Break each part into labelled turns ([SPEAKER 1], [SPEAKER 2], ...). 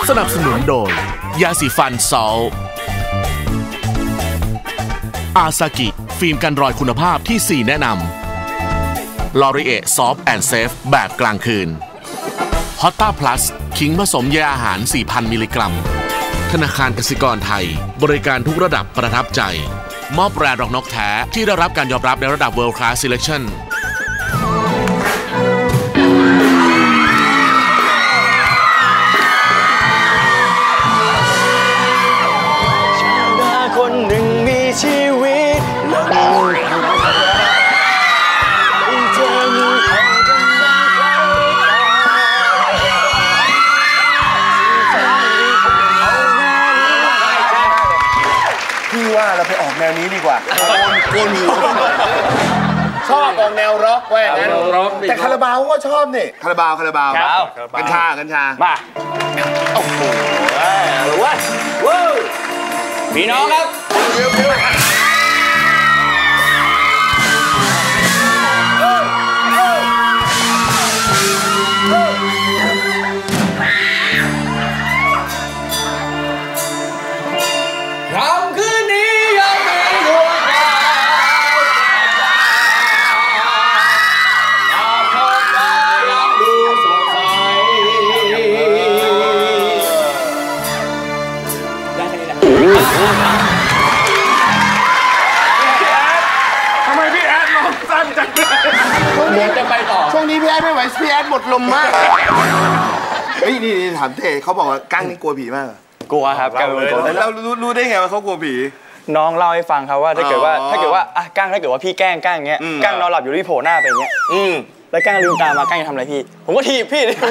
[SPEAKER 1] สนับสนุนโดยยาสีฟันซอลอาซากิฟิล์มกันรอยคุณภาพที่ 4 แนะนำลอรีเอซอฟต์แอนด์เซฟแบบกลางคืนฮอตต้าพลัสขิงผสมใยอาหาร 4,000 มิลลิกรัมธนาคารกสิกรไทยบริการทุกระดับประทับใจมอบแบรนด์ดอกนกแท้ที่ได้รับการยอมรับในระดับ World Class Selection
[SPEAKER 2] คนหนึ่งมีชีวิตและมีเธอมีเขากำลัง
[SPEAKER 3] พี่ว่าเราไปออกแนวนี้ดีกว่าโกนหัวชอบออกแนวร็อกแว่งั้นแต่คาราบาวก็ชอบนี่คาราบาวกัญชา
[SPEAKER 2] มาโอ้โหหรือว่าว้าวพี่น้องครับค่ำคืนนี้ยังมีดวงดาวดาวท้องฟ้ายังดูสดใสได้แค่นี้แหละ
[SPEAKER 3] ทำไมพี่แอดร้องสั้นจัง
[SPEAKER 2] เหมือนจะไปต่อ
[SPEAKER 3] ช่วงนี้พี่แอดไม่ไหวพี่แอดหมดลมมากเฮ้ยนี่ถามเต้เขาบอกว่ากั้งนี่กลัวผีมาก
[SPEAKER 2] กลัวครับกั้งเป็นคน
[SPEAKER 3] แล้วรู้ได้ไงว่าเขากลัวผี
[SPEAKER 2] น้องเล่าให้ฟังครับว่าถ้าเกิดว่าอ่ะกั้งถ้าเกิดว่าพี่แกล้งอย่างเงี้ยกั้งนอนหลับอยู่ที่โผล่หน้าไปอย่างเงี้ยแล้วกั้งลืมตามากั้งจะทำอะไรพี่ผมก็ถีบพี่เลย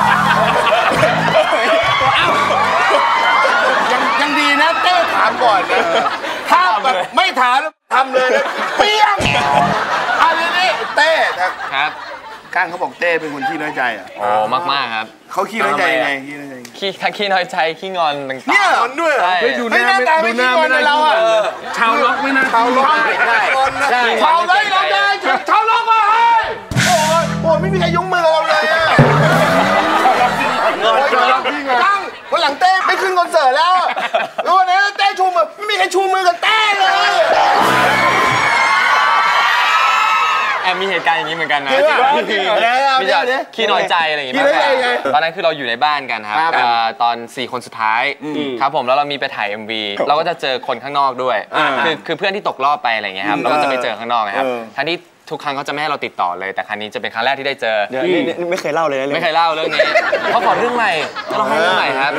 [SPEAKER 3] ยังดีนะเต้ถามก่อนนะถ้าแบบไม่ถามทำเลยนะเปี้ยงอะไรนี่เต้
[SPEAKER 4] ครับ
[SPEAKER 3] กั้งเขาบอกเต้เป็นคนขี้น้อยใจอ่ะ
[SPEAKER 4] โอ้มากครับ
[SPEAKER 3] เขาขี้น้อยใจยังไง
[SPEAKER 4] ทั้งขี้น้อยใจขี้งอนต่างๆ
[SPEAKER 3] เนี่ยงอนด้วย
[SPEAKER 4] ดู
[SPEAKER 3] หน้าตาไม่ขี้งอนเราอ่ะ
[SPEAKER 4] ชาวล็อกไม่น่า
[SPEAKER 3] ชาวล็อกชาวล็อกเราได้ชาวล็อกมาให้โอ้ไม่มีใครยุ่งมือเราเลยอ่ะกั้งวันหลังเต้ไม่ขึ้นคอนเสิร์ตแล้วแล้ววันนี้เต้ชูมือไม่มีใครชูมือกับเต้เลย
[SPEAKER 4] มีเหตุการณ์อย่างนี้เหมือนกันนะ
[SPEAKER 3] มีจะ
[SPEAKER 4] ขี้น้อยใจอะไรอย่างเงี้ยตอนนั้นคือเราอยู่ในบ้านกันครับตอน4 คนสุดท้ายครับผมแล้วเรามีไปถ่าย MV เราก็จะเจอคนข้างนอกด้วยคือเพื่อนที่ตกรอบไปอะไรเงี้ยครับเราก็จะไปเจอข้างนอกนะครับทั้งที่ทุกครั้งเขาจะไม่ให้เราติดต่อเลยแต่ครั้งนี้จะเป็นครั้งแรกที่ได้เจอ
[SPEAKER 2] ไม่เคยเล่าเลย
[SPEAKER 4] ไม่เคยเล่าเรื่องนี้เขาขอเรื่องใหม่จะลองให้เรื่องใหม่ครับ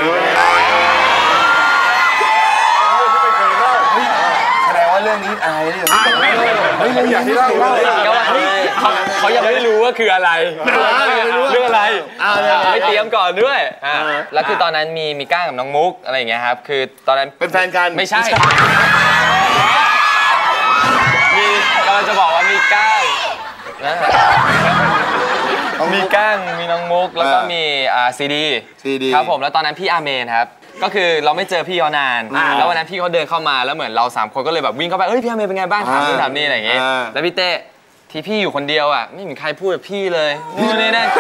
[SPEAKER 3] แสดงว่าเรื่องนี้อายเลยเฮ้ยอยากให้เล่า
[SPEAKER 4] เขายังไม่รู้ว่าคืออะไรเรื่องอะไรไม่เตรียมก่อนด้วยแล้วคือตอนนั้นมีก้างกับน้องมุกอะไรอย่างเงี้ยครับคือตอนนั้น
[SPEAKER 3] เป็นแฟนกัน
[SPEAKER 4] ไม่ใช่กำลังจะบอกว่ามีก้างมีก้างมีน้องมุกแล้วก็มีซีดีครับผมแล้วตอนนั้นพี่อาเมนครับก็คือเราไม่เจอพี่เขานานแล้ววันนั้นพี่เขาเดินเข้ามาแล้วเหมือนเรา3 คนก็เลยแบบวิ่งเข้าไปเฮ้ยพี่อาเมนเป็นไงบ้างถามนู่นถามนี่อะไรอย่างเงี้ยแล้วพี่เต้ที่พี่อยู่คนเดียวอ่ะไม่มีใครพูดกับพี่เลยนี่นั่น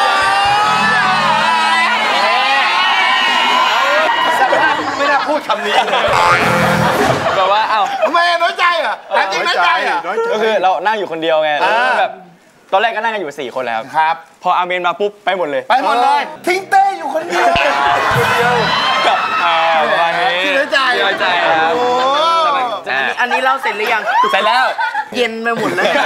[SPEAKER 3] ไม่ได้พูดคำนี้
[SPEAKER 4] แบบว่าเอ้า
[SPEAKER 3] ทำไมน้อยใจอ่ะแต่จริงน้อยใจอ่ะ
[SPEAKER 2] ก็คือเรานั่งอยู่คนเดียวไงแบบตอนแรกก็นั่งกันอยู่4 คนแล้ว
[SPEAKER 3] ครับ
[SPEAKER 2] พออาเมนมาปุ๊บไปหมดเลย
[SPEAKER 3] ทิ้งเต้อยู่คนเดียว
[SPEAKER 2] กับประมาณนี้
[SPEAKER 3] น้อยใจ
[SPEAKER 4] ครับ
[SPEAKER 5] อันนี้เล่าเสร็จหรือยัง
[SPEAKER 4] เสร็จแล้ว
[SPEAKER 5] เย็นไปหมดเลย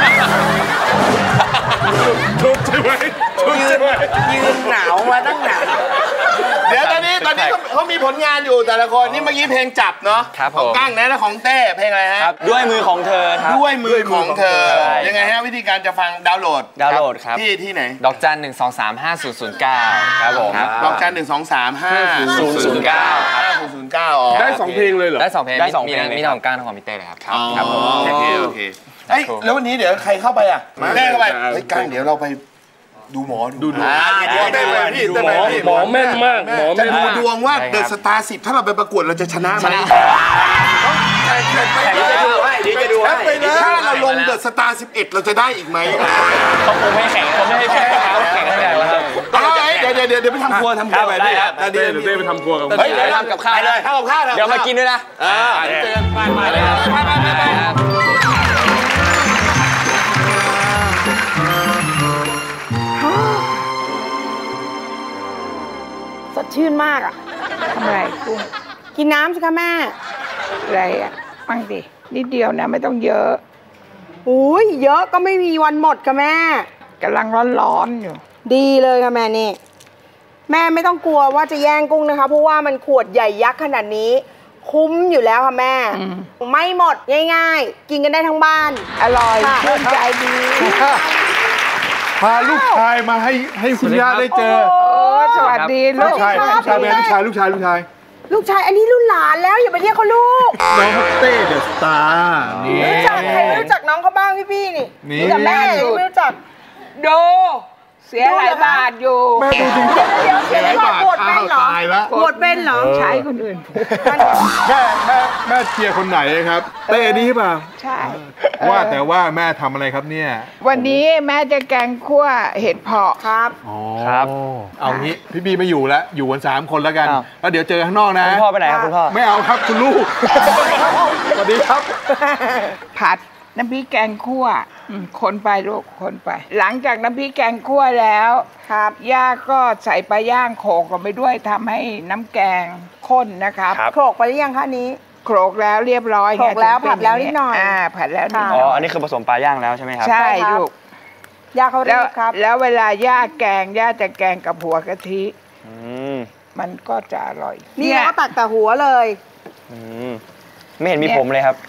[SPEAKER 5] ยืนหนาวมาตั้งนาน
[SPEAKER 3] เดี๋ยวตอนนี้เขามีผลงานอยู่แต่ละคนนี่เมื่อกี้เพลงจับเนาะของกั้งนะและของเต้เพลงอะไรฮะ
[SPEAKER 2] ด้วยมือของเธอครับ
[SPEAKER 3] ด้วยมือของเธอยังไงฮะวิธีการจะฟังดาวน์โหลด
[SPEAKER 2] ครับ
[SPEAKER 3] ที่ไหน
[SPEAKER 4] ดอกจัน1235009ครับผม
[SPEAKER 3] ดอกจัน1235009ได้2 เพลงเลยเหรอ
[SPEAKER 4] ได้2 เพลงมีทั้งของกั้งทั้งของพี่เต้เลยครับ
[SPEAKER 3] ครับผมโอเคแล้ววันนี้เดี๋ยวใครเข้าไปอ่ะเต้เข้าไปกั้งเดี๋ยวเราไปดูหมอดู
[SPEAKER 6] หมอแม่นมากหมอแม่น
[SPEAKER 3] ดูดวงว่าเดอะสตาร์10ถ้าเราไปประกวดเราจะชนะไหมถ้าเราลงเดอะสตาร์11เราจะได้อีกไหม
[SPEAKER 2] เขาคงไม่แข่งเขาไม่ให้แข่งเขาแข่งให้แข่งแล้วครับ
[SPEAKER 3] เดี๋เดี๋ยวไปทำครัวไป
[SPEAKER 4] ได้ครับ
[SPEAKER 3] เดี๋ยว
[SPEAKER 6] เต้ไปทำครัวกับ
[SPEAKER 3] เฮ้ยเดี๋ยวทำกับข้าวเลยทำกับข้าวเดี๋ยวมากินด้วยนะเจอกันไปเลยไป
[SPEAKER 5] สดชื่นมากอ่ะ
[SPEAKER 7] ทำไรกุ้ง
[SPEAKER 5] กินน้ำสิคะแม่
[SPEAKER 7] อะไรอ่ะมั่งดินิดเดียวนะไม่ต้องเยอะ
[SPEAKER 5] อุ้ยเยอะก็ไม่มีวันหมดค่ะแม่
[SPEAKER 7] กำลังร้อนๆอยู่
[SPEAKER 5] ดีเลยค่ะแม่นี่ แม่ไม่ต้องกลัวว่าจะแย่งกุ้งนะคะ เพราะว่ามันขวดใหญ่ยักษ์ขนาดนี้ คุ้มอยู่แล้วค่ะแม่ ไม่หมดง่ายๆ กินกันได้ทั้งบ้าน
[SPEAKER 7] อร่อยชื่นใจดี
[SPEAKER 8] พาลูกชายมาให้คุณย่าได้เจอ
[SPEAKER 7] โอ้สวัสดีลูก
[SPEAKER 8] ลูกชายลูกชายลูกชาย
[SPEAKER 5] ลูกชายอันนี้รุ่นหลานแล้วอย่าไปเรียกเขาลูก
[SPEAKER 8] น้องเต้เดอะสตาร์นี่
[SPEAKER 5] รู้จักใครไม่รู้จักน้องเขาบ้างพี่นี่
[SPEAKER 8] นี่
[SPEAKER 5] รู้จักแม่ยังไม่รู้จัก
[SPEAKER 7] ดูเสียหลายบาทอยู่
[SPEAKER 8] แม่ดูจริง
[SPEAKER 5] เดี๋ยวเสียบาทปวดเป็นเหรอ
[SPEAKER 8] ตายละ
[SPEAKER 5] ปวดเป็นเหรอ
[SPEAKER 7] ใช้คนอื่นพูด
[SPEAKER 8] แม่เชียร์คนไหนครับเต้นี่เปล่า
[SPEAKER 7] ใช่
[SPEAKER 8] ว่าแต่ว่าแม่ทำอะไรครับเนี่ย
[SPEAKER 7] วันนี้แม่จะแกงคั่วเห็ดเผาะครับ
[SPEAKER 4] ครับ
[SPEAKER 8] เอางี้พี่บีไม่อยู่แล้วอยู่กัน3 คนแล้วกัน
[SPEAKER 2] อ้าว
[SPEAKER 8] แล้วเดี๋ยวเจอข้างนอกนะ
[SPEAKER 2] คุณพ่อไปไหนครับคุณพ่อ
[SPEAKER 8] ไม่เอาครับคุณลูก สวัสดีครับ
[SPEAKER 7] ผัดน้ำพริกแกงคั่วคนไปลูกคนไป หลังจากน้ำพริกแกงคั่วแล้วครับย่าก็ใส่ปลาย่างโขลกลงไปด้วยทำให้น้ำแกงข้นนะครับ
[SPEAKER 5] โขลกไปหรือยังคะนี้
[SPEAKER 7] โขลกแล้วเรียบร้อย
[SPEAKER 5] โขลกแล้ว
[SPEAKER 7] ถึงเป็
[SPEAKER 5] ผัดแล้วนิดหน่อย
[SPEAKER 7] ผัดแล้วนิดห
[SPEAKER 2] อ๋
[SPEAKER 7] น่
[SPEAKER 2] อ
[SPEAKER 7] อย
[SPEAKER 2] อันนี้คือผสมปลาย่างแล้วใช่ไหมครับ
[SPEAKER 7] ใช่
[SPEAKER 5] ใช่ครับ
[SPEAKER 7] ลูก
[SPEAKER 5] ย่าเขา
[SPEAKER 7] แล้
[SPEAKER 5] เรี
[SPEAKER 7] วย
[SPEAKER 5] กครับ
[SPEAKER 7] แล้วเวลาย่าแกงย่าจะแกงกับหัวกะทิ
[SPEAKER 2] อืม
[SPEAKER 7] มันก็จะอร่อย
[SPEAKER 5] นี่เราก็ตักแต่หัวเลย
[SPEAKER 2] อืมไม่เห็นมีผมเลยครับ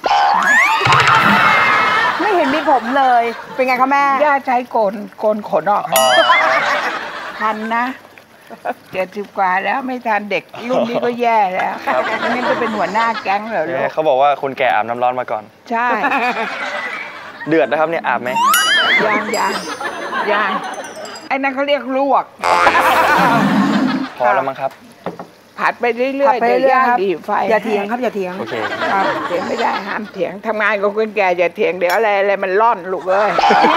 [SPEAKER 5] ไม่เห็นมีผมเลย เป็นไงคะแม่
[SPEAKER 7] ย่าใช้โกนขนออกทันนะ70 กว่าแล้วไม่ทันเด็กรุ่นนี้ก็แย่แล้วไม่งั้นจะเป็นหัวหน้าแก๊งเหรอลูก
[SPEAKER 2] เขาบอกว่าคนแก่อาบน้ำร้อนมาก่อน
[SPEAKER 7] ใช่
[SPEAKER 2] เดือดนะครับเนี่ยอาบไหม
[SPEAKER 7] ยังไอ้นั่นเขาเรียกลวก
[SPEAKER 2] พอแล้วมั้งครับ
[SPEAKER 7] ผัดไปเรื่
[SPEAKER 5] ผั
[SPEAKER 7] อ
[SPEAKER 5] ด
[SPEAKER 7] ย
[SPEAKER 5] ไป
[SPEAKER 7] ๆเดี๋ยว
[SPEAKER 5] เรื่อย
[SPEAKER 7] ย่าง
[SPEAKER 5] ๆครับ
[SPEAKER 7] ดีไฟ
[SPEAKER 5] อย่าเถียงครับอย่าเถียง
[SPEAKER 2] โอเค
[SPEAKER 7] ครับเถียงไม่ได้ห้ามเถียงทำงานกับคนแก่อย่าเถียงเดี๋ยวอะไรมันร่อนลูกเอ้ย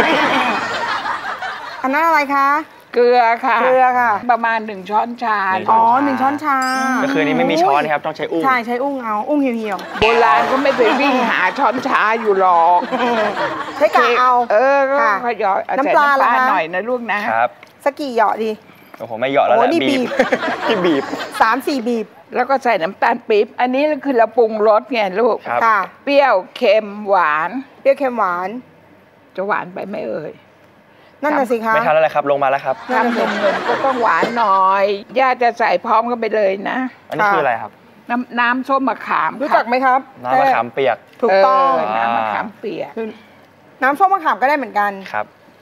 [SPEAKER 5] อันนั้นอะไรคะ
[SPEAKER 7] เกลือค่ะ
[SPEAKER 5] เกลือค่ะ
[SPEAKER 7] ประมาณ1 ช้อนชา
[SPEAKER 5] อ๋อ1 ช้อนชา
[SPEAKER 2] ก็คืออันนี้ไม่มีช้อนนะครับต้องใช้อุ้ง
[SPEAKER 5] ใช่ใช้อุ้งเอาอุ้งเหี่ยว
[SPEAKER 7] โบราณก็ไม่ไปวิ่งหาช้อนชาอยู่หรอก
[SPEAKER 5] ๆใช้กะเอา
[SPEAKER 7] ก็
[SPEAKER 5] ค่ะ
[SPEAKER 7] ขยอยใส่
[SPEAKER 5] น้ำปลาเหรอคะ
[SPEAKER 7] หน่อยนะลูกนะครับ
[SPEAKER 5] สักกี่เหยาะดี
[SPEAKER 2] โอ้โหไม่เหยาะแล้วแหละ
[SPEAKER 5] โอ้นี่บีบ
[SPEAKER 2] ที่บีบ
[SPEAKER 5] 3-4 บีบ
[SPEAKER 7] แล้วก็ใส่น้ำตาลปี๊บอันนี้คือเราปรุงรสไงลูก
[SPEAKER 2] ครับ
[SPEAKER 5] ค่ะ
[SPEAKER 7] เปรี้ยวเค็มหวาน
[SPEAKER 5] เปรี้ยวเค็มหวาน
[SPEAKER 7] จะหวานไปไหม่เอ่ย
[SPEAKER 5] นั่นน่ะสิคะ
[SPEAKER 2] ไม่ทันแล้วแหละครับลงมาแล้วครับ
[SPEAKER 7] ทำนมก็ต้องหวานหน่อยย่าจะใส่พร้อมกันไปเลยนะ
[SPEAKER 2] อันนี้คืออะไรครับ
[SPEAKER 7] น้ำส้มมะขาม
[SPEAKER 5] รู้จักไหมครับ
[SPEAKER 2] น้ำมะขามเปียก
[SPEAKER 5] ถูกต้อง
[SPEAKER 7] น้ำมะขามเปียก
[SPEAKER 5] น้ำส้มมะขามก็ได้เหมือนกัน
[SPEAKER 2] ครับ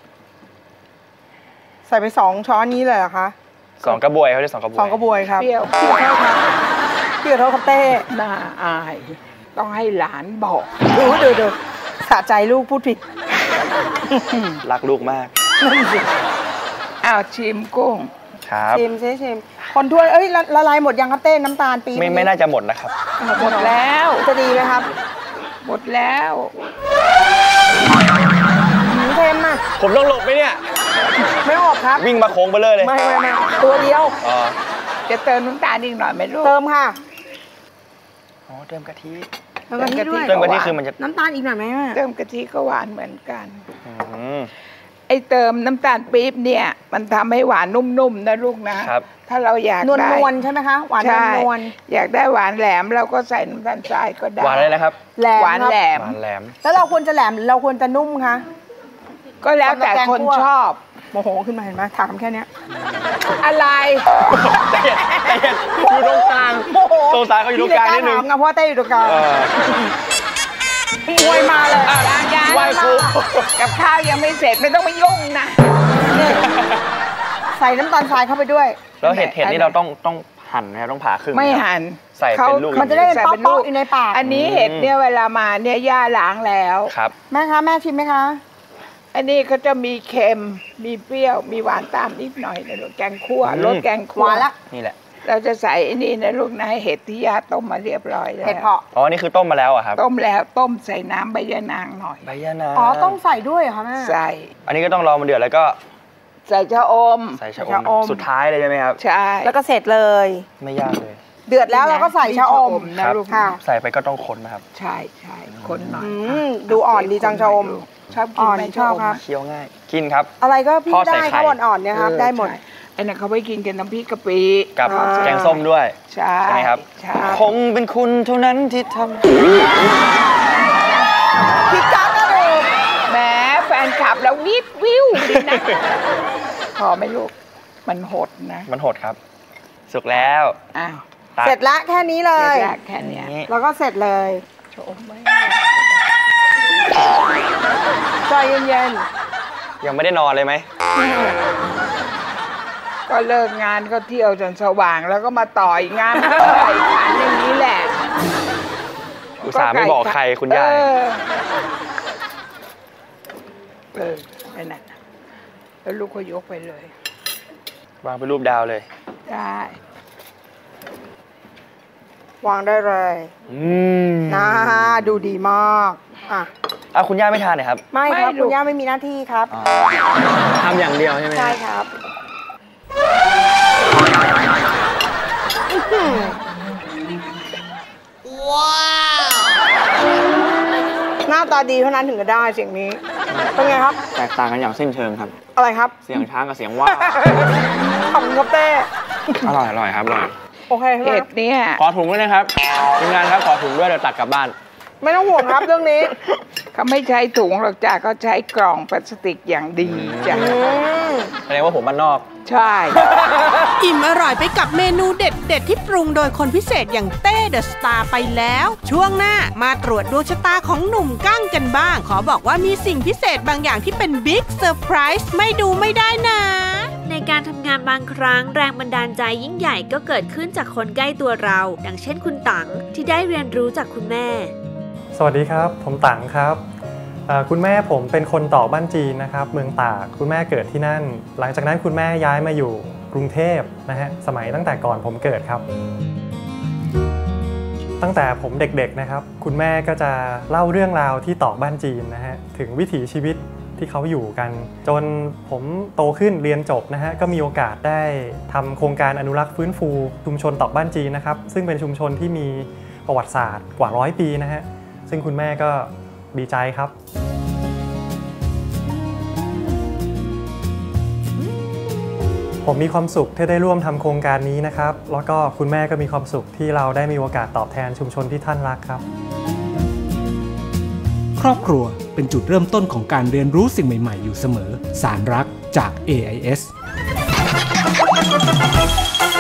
[SPEAKER 5] ใส่ไป2 ช้อนนี้เลยเหรอคะ
[SPEAKER 2] 2 กระบวยเขาเรียก2 กระบวย
[SPEAKER 5] 2 กระบวยครับ
[SPEAKER 7] เปรี้ยว
[SPEAKER 5] พี่ขอโทษครับพี่ขอโทษครับเต้
[SPEAKER 7] น่าอาย ต้องให้หลานบอก
[SPEAKER 5] ดูสะใจลูกพูดผิด
[SPEAKER 2] รักลูกมาก
[SPEAKER 7] อ้าวชิมกุ้ง
[SPEAKER 2] ครับ
[SPEAKER 5] ชิมคนถ้วยเอ้ยละลายหมดยังครับเต้น้ำตาลปี๊บ
[SPEAKER 2] ไม่น่าจะหมดนะครับ
[SPEAKER 7] หมดแล้ว
[SPEAKER 5] จะดีไหมครับ
[SPEAKER 7] หมดแล้ว
[SPEAKER 5] เค็มอ่ะ
[SPEAKER 2] ผมต้องหลบไหมเนี่ย
[SPEAKER 5] ไม่ออกครับ
[SPEAKER 2] วิ่งมาโค้งไปเลย
[SPEAKER 5] ไม่ตัวเดียว
[SPEAKER 2] อ๋อ
[SPEAKER 7] จะเติมน้ำตาลอีกหน่อยไหมลูก
[SPEAKER 5] เติมค่ะ
[SPEAKER 2] อ๋อเติมกะทิ
[SPEAKER 5] เติมกะทิด้วย
[SPEAKER 2] เติมกะทิคือมันจะ
[SPEAKER 5] น้ำตาลอีกหน่อยไหมแม่
[SPEAKER 7] เติมกะทิก็หวานเหมือนกัน
[SPEAKER 2] อืม
[SPEAKER 7] ไอ้เติมน้ำตาลปี๊บเนี่ย มันทำให้หวานนุ่มๆนะลูกนะ
[SPEAKER 2] ครับ
[SPEAKER 7] ถ้าเราอยาก
[SPEAKER 5] นวล
[SPEAKER 7] ได้
[SPEAKER 5] นวลๆใช่ไหมคะหวาน
[SPEAKER 7] ใช่
[SPEAKER 5] นวล
[SPEAKER 7] อยากได้หวานแหลมเราก็ใส่น้ำตาลทรายก็ได้
[SPEAKER 2] หวานเลยนะครับ
[SPEAKER 5] ๆแหลม
[SPEAKER 7] หวาน
[SPEAKER 5] ครับ
[SPEAKER 7] แหลม
[SPEAKER 2] หวานแหลม
[SPEAKER 5] แล้วเราควรจะแหลมหรือเราควรจะนุ่มคะ
[SPEAKER 7] ก็แล้วแต่คนชอบ
[SPEAKER 5] โมโหขึ้นมาเห็นไหมถามแค่เนี้ย
[SPEAKER 7] อะไร
[SPEAKER 2] อยู่ตรงกลาง
[SPEAKER 5] โมโห
[SPEAKER 2] โซนซ้ายเขาอยู่ตรงกลางนิดนึง
[SPEAKER 5] พี่เลยกล้าถามไงเพราะว่าเต้อยู่ตรงกลาง
[SPEAKER 2] เออ
[SPEAKER 5] มวยมาเลย
[SPEAKER 7] ยัง
[SPEAKER 2] ไหว้ครู
[SPEAKER 7] กับข้าวยังไม่เสร็จไม่ต้องมายุ่งนะ
[SPEAKER 5] ใส่น้ำตาลทรายเข้าไปด้วย
[SPEAKER 2] แล้วเห็ดนี่เราต้องหั่นนะครับต้องผ่าครึ่ง
[SPEAKER 7] ไม่
[SPEAKER 2] นะครับ
[SPEAKER 7] หั่น
[SPEAKER 2] ใส่เป็นลูก
[SPEAKER 5] มันจะได้เป็น
[SPEAKER 7] ใส่
[SPEAKER 5] ป๊
[SPEAKER 7] เป็นลู
[SPEAKER 5] อก ๆอยู่ในปาก
[SPEAKER 7] อันนี้เห็ดเนี่ยเวลามาเนี่ยย่าล้างแล้ว
[SPEAKER 2] ครับ
[SPEAKER 5] แม่คะแม่ชิมไหมคะ
[SPEAKER 7] อันนี้ก็จะมีเค็มมีเปรี้ยวมีหวานตามนิดหน่อยนะลูกแกงคั่วรสแกงคั่ว
[SPEAKER 5] หวานละ
[SPEAKER 2] นี่แหละ
[SPEAKER 7] เราจะใส่ไอ้นี่นะลูกนะเห็ดที่ย่าต้มมาเรียบร้อยแล้ว
[SPEAKER 5] เห็ดเผาะ
[SPEAKER 2] อ๋อ นี่คือต้มมาแล้วอะครับ
[SPEAKER 7] ต้มแล้วต้มใส่น้ำใบยะนางหน่อย
[SPEAKER 2] ใบยะนาง
[SPEAKER 5] อ๋อต้องใส่ด้วยเหรอคะแม่
[SPEAKER 7] ใส่
[SPEAKER 2] อันนี้ก็ต้องรอมันเดือดแล้วก็
[SPEAKER 7] ใส่ชะอม
[SPEAKER 2] ใส่ชะอมสุดท้ายเลยใช่ไหมครับ
[SPEAKER 7] ใช่
[SPEAKER 5] แล้วก็เสร็จเลย
[SPEAKER 2] ไม่ยากเลย
[SPEAKER 5] เดือดแล้วเราก็ใส่ชะอม
[SPEAKER 7] นะลูกค่ะ
[SPEAKER 2] ใส่ไปก็ต้องคนนะครับ
[SPEAKER 7] ใช่คนหน่อย
[SPEAKER 5] ดูอ่อนดีจังชะอม
[SPEAKER 7] ชอบกินไหมชอบครับ
[SPEAKER 2] เคี้ยวง่ายกินครับ
[SPEAKER 5] อะไรก็พี่ได้ข้าวอ่อนๆเนี่ยครับได้หมด
[SPEAKER 7] ไอ้นั่นเขาไปกินกันน้ำพริกกะปิ
[SPEAKER 2] กับแกงส้มด้วย
[SPEAKER 7] ใช่
[SPEAKER 2] ไหมครับคงเป็นคุณเท่านั้นที่ทำ
[SPEAKER 5] พี่กั๊กนะลูก
[SPEAKER 7] แหมแฟนคลับแล้ววิวดีนะพอไหมลูกมันหดนะ
[SPEAKER 2] มันหดครับสุกแล้ว
[SPEAKER 7] อ้าว
[SPEAKER 5] เสร็จละแค่นี้เลย
[SPEAKER 7] แค่นี้
[SPEAKER 5] แล้วก็เสร็จเลย
[SPEAKER 7] ชมไหม
[SPEAKER 5] ใจเย็น
[SPEAKER 2] ยังไม่ได้นอนเลยไหม
[SPEAKER 7] ก็เลิกงานก็เที่ยวจนสว่างแล้วก็มาต่อยงานก็ไก่ขันอย่างนี้แหละ
[SPEAKER 2] อุตส่าห์ไม่บอกใครคุณยาย
[SPEAKER 7] นั่นน่ะแล้วลูกก็ยกไปเลยว
[SPEAKER 2] างเป็นรูปดาวเลย
[SPEAKER 7] ได้
[SPEAKER 5] วางได้เลยน่าดูดีมาก
[SPEAKER 2] คุณย่าไม่ทานเลยครับ
[SPEAKER 5] ไม่ครับคุณย่าไม่มีหน้าที่ครับ
[SPEAKER 2] ทำอย่างเดียวใช่ไหม
[SPEAKER 5] ใช่ครับว้าวหน้าตาดีเท่านั้นถึงจะได้เสียงนี้เป็นไงครับ
[SPEAKER 2] แตกต่างกันอย่างสิ้นเชิงครับ
[SPEAKER 5] อะไรครับ
[SPEAKER 2] เสียงช้างกับเสียงว่า
[SPEAKER 5] ขอบคุณครับเต้
[SPEAKER 2] อร่อยครับอร่อย
[SPEAKER 5] โอเค
[SPEAKER 7] เห็ดเนี่ย
[SPEAKER 2] ขอถุงด้วยนะครับทีมงานครับขอถุงด้วยเดี๋ยวตักกลับบ้าน
[SPEAKER 5] ไม่ต้องห่วงครับเรื่องนี้
[SPEAKER 7] เขาไม่ใช้ถุงหรอกจ้ะเขาใช้กล่องพลาสติกอย่างดีจ้ะ
[SPEAKER 2] แสดงว่าผมบ้านนอก
[SPEAKER 7] ใช่
[SPEAKER 9] อิ่มอร่อยไปกับเมนูเด็ดที่ปรุงโดยคนพิเศษอย่างเต้เดอะสตาร์ไปแล้วช่วงหน้ามาตรวจดวงชะตาของหนุ่มกั้งกันบ้างขอบอกว่ามีสิ่งพิเศษบางอย่างที่เป็นบิ๊กเซอร์ไพรส์ไม่ดูไม่ได้นะ
[SPEAKER 10] ในการทำงานบางครั้งแรงบันดาลใจยิ่งใหญ่ก็เกิดขึ้นจากคนใกล้ตัวเราดังเช่นคุณตังที่ได้เรียนรู้จากคุณแม่
[SPEAKER 11] สวัสดีครับผมตังครับคุณแม่ผมเป็นคนตอกบ้านจีนนะครับเมืองตากคุณแม่เกิดที่นั่นหลังจากนั้นคุณแม่ย้ายมาอยู่กรุงเทพนะฮะสมัยตั้งแต่ก่อนผมเกิดครับตั้งแต่ผมเด็กๆนะครับคุณแม่ก็จะเล่าเรื่องราวที่ตอกบ้านจีนนะฮะถึงวิถีชีวิตที่เขาอยู่กันจนผมโตขึ้นเรียนจบนะฮะก็มีโอกาสได้ทำโครงการอนุรักษ์ฟื้นฟูชุมชนตอกบ้านจีนนะครับซึ่งเป็นชุมชนที่มีประวัติศาสตร์กว่า100 ปีนะฮะซึ่งคุณแม่ก็ดีใจครับผมมีความสุขที่ได้ร่วมทำโครงการนี้นะครับแล้วก็คุณแม่ก็มีความสุขที่เราได้มีโอกาสตอบแทนชุมชนที่ท่านรักครับ
[SPEAKER 12] ครอบครัวเป็นจุดเริ่มต้นของการเรียนรู้สิ่งใหม่ๆอยู่เสมอสารรักจาก AIS